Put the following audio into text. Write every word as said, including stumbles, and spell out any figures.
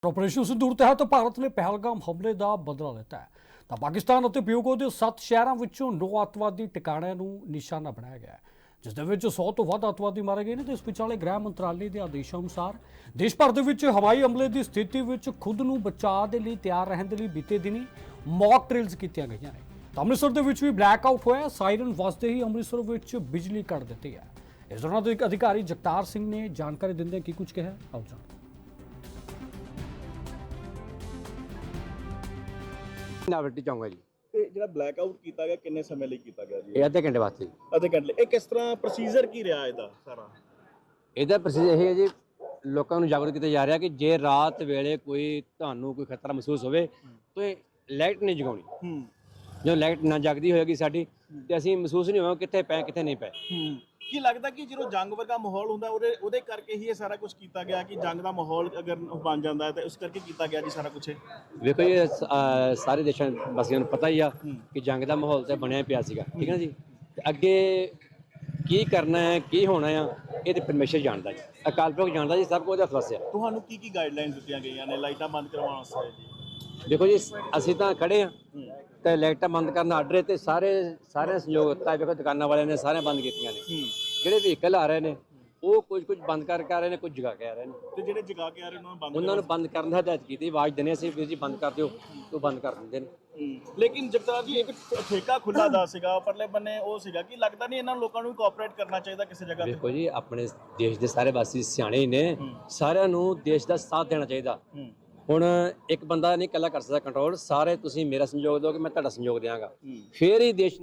Operation sindoor ਤਹਿਤ ਭਾਰਤ ਨੇ ਪਹਿਲਗਾਮ ਹਮਲੇ ਦਾ ਬਦਲਾ ਲਿੱਤਾ ਹੈ ਤਾਂ ਪਾਕਿਸਤਾਨ ਅਤੇ ਪੀਓਕੇ ਦੇ ਸੱਤ ਸ਼ਹਿਰਾਂ ਵਿੱਚੋਂ ਨੌ ਅੱਤਵਾਦੀ ਟਿਕਾਣਿਆਂ ਨੂੰ ਨਿਸ਼ਾਨਾ ਬਣਾਇਆ ਗਿਆ ਹੈ, ਜਿਸ ਦੇ ਵਿੱਚ ਸੌ ਤੋਂ ਵੱਧ ਅੱਤਵਾਦੀ ਮਾਰੇ ਗਏ ਨੇ। ਤੇ ਇਸ ਵਿਚਾਲੇ ਗ੍ਰਹਿ ਮੰਤਰਾਲੇ ਦੇ ਆਦੇਸ਼ਾਂ ਅਨੁਸਾਰ ਦੇਸ਼ ਭਰ ਦੇ ਵਿੱਚ ਹਵਾਈ ਹਮਲੇ ਦੀ ਸਥਿਤੀ ਵਿੱਚ ਖੁਦ ਨੂੰ ਬਚਾਅ ਦੇ ਲਈ ਤਿਆਰ ਰਹਿਣ ਦੇ ਲਈ ਬੀਤੇ ਦਿਨੀ ਮੌਕ ਡਰਿਲਸ ਕੀਤੀਆਂ ਗਈਆਂ ਨੇ। ਤਾਂ ਅੰਮ੍ਰਿਤਸਰ ਦੇ ਵਿੱਚ ਵੀ ਬਲੈਕ ਆਊਟ ਹੋਇਆ, ਸਾਇਰਨ ਵੱਜਦੇ ਹੀ ਅੰਮ੍ਰਿਤਸਰ ਵਿੱਚ ਬਿਜਲੀ ਕੱਟ ਦਿੱਤੀ ਹੈ। ਇਸ ਦੌਰਾਨ ਦੇ ਅਧਿਕਾਰੀ ਜਗਤਾਰ ਸਿੰਘ ਨੇ ਜਾਣਕਾਰੀ ਦਿੰਦੇ ਕੀ ਕੁਝ ਕਿਹਾ, ਆਓ ਜਾਣਦੇ। ਨਾਵਲਟੀ ਚਾਹੂੰਗਾ ਜੀ। ਤੇ ਜਿਹੜਾ ਬਲੈਕ ਆਊਟ ਕੀਤਾ ਗਿਆ ਕਿੰਨੇ ਸਮੇਂ ਲਈ ਕੀਤਾ ਗਿਆ ਜੀ? ਇਹ ਅੱਧੇ ਘੰਟੇ ਵਾਸਤੇ ਜੀ। ਅੱਧੇ ਘੰਟੇ ਲਈ। ਇਹ ਕਿਸ ਤਰ੍ਹਾਂ ਪ੍ਰੋਸੀਜਰ ਕੀ ਰਿਹਾ ਇਹਦਾ ਸਾਰਾ? ਇਹਦਾ ਪ੍ਰੋਸੀਜਰ ਇਹ ਹੈ ਜੀ, ਲੋਕਾਂ ਨੂੰ ਜਾਗਰੂਕ ਕੀਤਾ ਜਾ ਰਿਹਾ ਕਿ ਜੇ ਰਾਤ ਵੇਲੇ ਕੋਈ ਤੁਹਾਨੂੰ ਕੋਈ ਖਤਰਾ ਮਹਿਸੂਸ ਹੋਵੇ ਤਾਂ ਲਾਈਟ ਨਹੀਂ ਜਗਾਉਣੀ। ਹੂੰ ਜਦੋਂ ਲਾਈਟ ਨਾ ਜਗਦੀ ਹੋਏਗੀ ਸਾਡੀ ਤੇ ਅਸੀਂ ਮਹਿਸੂਸ ਨਹੀਂ ਹੋਵਾਂਗੇ ਕਿੱਥੇ ਪਏ ਕਿੱਥੇ ਨਹੀਂ ਪਏ। ਹੂੰ ਕੀ ਲੱਗਦਾ ਕਿ ਜਦੋਂ ਜੰਗ ਵਰਗਾ ਮਾਹੌਲ ਹੁੰਦਾ ਉਹਦੇ ਉਹਦੇ ਕਰਕੇ ਹੀ ਇਹ ਸਾਰਾ ਕੁਝ ਕੀਤਾ ਗਿਆ ਕਿ ਜੰਗ ਦਾ ਮਾਹੌਲ ਅਗਰ ਬਣ ਜਾਂਦਾ ਹੈ ਤਾਂ ਉਸ ਕਰਕੇ ਕੀਤਾ ਗਿਆ ਜੀ ਸਾਰਾ ਕੁਝ? ਵੇਖੋ ਜੀ, ਅਹ ਸਾਰੇ ਦੇਸ਼ਾਂ ਵਾਸੀਆਂ ਨੂੰ ਪਤਾ ਹੀ ਆ ਕਿ ਜੰਗ ਦਾ ਮਾਹੌਲ ਤਾਂ ਬਣਿਆ ਪਿਆ ਸੀਗਾ, ਠੀਕ ਹੈ ਨਾ ਜੀ। ਤੇ ਅੱਗੇ ਕੀ ਕਰਨਾ ਹੈ ਕੀ ਹੋਣਾ ਆ ਇਹ ਤੇ ਪਰਮੇਸ਼ਰ ਜਾਣਦਾ ਜੀ, ਅਕਾਲ ਪੁਰਖ ਜਾਣਦਾ ਜੀ, ਸਭ ਕੁਝ ਉਹਦਾ ਫਸਿਆ। ਤੁਹਾਨੂੰ ਕੀ ਕੀ ਗਾਈਡਲਾਈਨਸ ਦਿੱਤੀਆਂ ਗਈਆਂ ਨੇ ਲਾਈਟਾਂ ਬੰਦ ਕਰਵਾਉਣ ਵਾਸਤੇ ਜੀ? ਦੇਖੋ ਜੀ, ਅਸੀਂ ਤਾਂ ਖੜੇ ਆ ਤੇ ਲਾਈਟਾਂ ਬੰਦ ਕਰਨ ਦਾ ਆਰਡਰ ਹੈ ਤੇ ਸਾਰੇ ਸਾਰੇ ਸੰਯੋਗ ਦਿੱਤਾ। ਵੇਖੋ ਦੁਕਾਨਾਂ ਵਾਲਿਆਂ ਨੇ ਸਾਰੇ ਬੰਦ ਕੀਤੀਆਂ ਨੇ। ਜਿਹੜੇ ਵਹੀਕਲ ਆ ਰਹੇ ਨੇ ਉਹ ਕੁਝ ਕੁਝ ਬੰਦ ਕਰਕੇ ਆ ਰਹੇ ਨੇ, ਕੁਝ ਜਗਾ ਕੇ ਆ ਰਹੇ ਨੇ। ਤੇ ਜਿਹੜੇ ਜਗਾ ਕੇ ਆ ਰਹੇ ਉਹਨਾਂ ਨੂੰ ਬੰਦ ਉਹਨਾਂ ਨੂੰ ਬੰਦ ਕਰਨ ਦਾ ਹਦਾਇਤ ਕੀਤੀ, ਆਵਾਜ਼ ਦਿੰਦੇ ਅਸੀਂ ਵੀਰ ਜੀ ਬੰਦ ਕਰ ਦਿਓ, ਉਹ ਬੰਦ ਕਰ ਦਿੰਦੇ ਨੇ। ਲੇਕਿਨ ਜਗਤਾਰ ਜੀ ਇੱਕ ਠੇਕਾ ਖੁੱਲਾ ਦਾ ਸੀਗਾ, ਪਰਲੇ ਬੰਨੇ ਉਹ ਸੀਗਾ ਕਿ ਲੱਗਦਾ ਨਹੀਂ ਇਹਨਾਂ ਲੋਕਾਂ ਨੂੰ ਕੋਆਪਰੇਟ ਕਰਨਾ ਚਾਹੀਦਾ ਕਿਸੇ ਜਗ੍ਹਾ ਤੇ? ਵੇਖੋ ਜੀ, ਆਪਣੇ ਦੇਸ਼ ਦੇ ਸਾਰੇ ਵਾਸੀ ਸਿਆਣੇ ਹੀ ਨੇ, ਸਾਰਿਆਂ ਨੂੰ ਦੇਸ਼ ਦਾ ਸਾਥ ਦੇਣਾ ਚਾਹੀਦਾ। ਹੁਣ ਇੱਕ ਬੰਦਾ ਨਹੀਂ ਇਕੱਲਾ ਕਰ ਸਕਦਾ ਕੰਟਰੋਲ, ਸਾਰੇ ਤੁਸੀਂ ਮੇਰਾ ਸਹਿਯੋਗ ਦਿਓਗੇ ਮੈਂ ਤੁਹਾਡਾ ਸਹਿਯੋਗ ਦਿਆਂਗਾ, ਫਿਰ ਹੀ ਦੇਸ਼